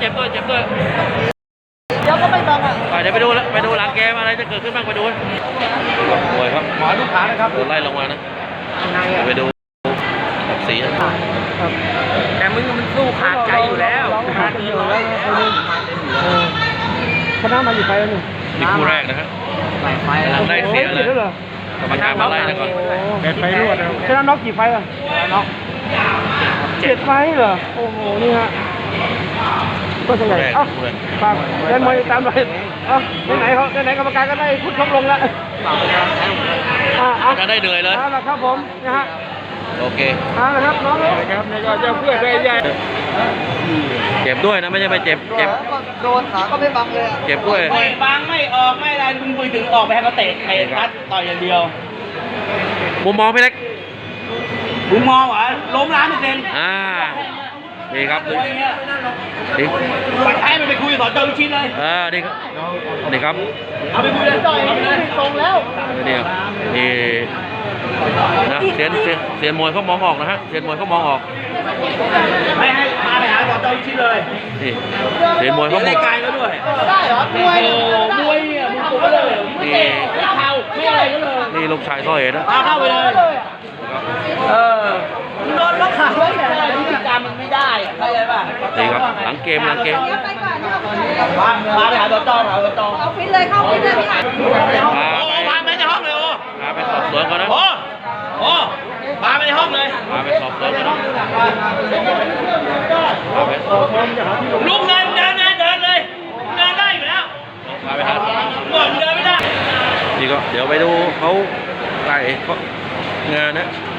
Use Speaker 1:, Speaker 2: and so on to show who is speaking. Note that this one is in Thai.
Speaker 1: จ็บด้วยเจ็บด้วย
Speaker 2: เดี๋ยวก็ไม่บังอ่ะ
Speaker 1: เดี๋ยวไปดูหลังเกมอะไรจะเกิดขึ้นบ้างไปดูป่วยครับ
Speaker 2: หมอลูกค้านะครับ
Speaker 1: โดนไล่ลงมานะไปดูสี
Speaker 2: แต่มึงมันสู้ขาดใจอยู่แล้วขาดอยู่แล้วชนะมาอยู่ไปแล้วนี่
Speaker 1: คู่แรกนะครับได้เสียเลยกรรมการมาไล่นะก่อน
Speaker 2: เป็นไฟรวดชนะน็อกกี่ไฟอ่ะน็อก7 ไฟเหรอโอ้โหนี่ฮะก็ใหญ่เอ้าฝากเล่นมวยตามเลยเอ้าไหนเขาไหนกรรมการก็ได้พุทธชกลงแล้ว
Speaker 1: จะได้เหนื่อยเลย
Speaker 2: ครับผมนะฮะ
Speaker 1: โอเค
Speaker 2: นะครับน้องครับนี่ก็จะเพื่อได้ใหญ่
Speaker 1: เจ็บด้วยนะไม่ใช่ไปเจ็บ
Speaker 2: โดนขาก็ไม่บังเลย
Speaker 1: เจ็บด้วย
Speaker 3: บังไม่ออกไม่อะไรมึงไปถึงออกไปให้เขาเตะพัดต่อยอย่างเดียว
Speaker 1: มุมมองพี่เล็ก
Speaker 3: มุมมองเหรอล้ม1,000,000%
Speaker 1: ดีครับดี
Speaker 3: ไปให้มันไปคุยกับสอนเจ้าลูกชิ้นเลย
Speaker 1: ดีครับดีครับ
Speaker 3: เอาไปคุยเลยต่อย
Speaker 2: ตรงแล้ว
Speaker 1: นี่นะเสียนมวยเขามองออกนะฮะเสียนมวยเขามองออก
Speaker 3: ไม่ให้พาไปหาสอนเจ้าลูกชิ้นเลย
Speaker 1: นี่เสียนมวยเขามอง
Speaker 3: ไกลแล้วด้วย
Speaker 2: ได้เหรอมวย
Speaker 3: เนี่ยมึงถูกเลยไม่เข้าไม่อะไรก็เลย
Speaker 1: นี่ลูกชายซ้อยนะ
Speaker 3: เข้าไปเลยโดนล็อกขาไว้แต่พฤติกรรมมันไม่ได้เข้าใจป่ะ
Speaker 1: นี่ครับหลังเกม
Speaker 2: มา
Speaker 3: ไปหาตัวจอ
Speaker 2: เอาฟิตเลยเข้าฟิตเลยพี่อ่ะ
Speaker 3: พาไปในห้องเลย
Speaker 1: พาไปสอบสวนก่อนนะ
Speaker 3: พาไปในห้องเลย
Speaker 1: พาไปสอบสวนก่อนนะ
Speaker 3: ลุกเดินเลยเดินได้อยู่แล้ว
Speaker 1: พาไปหา
Speaker 3: เดินไม่ได้
Speaker 1: นี่ก็เดี๋ยวไปดูเขาไล่งานนะ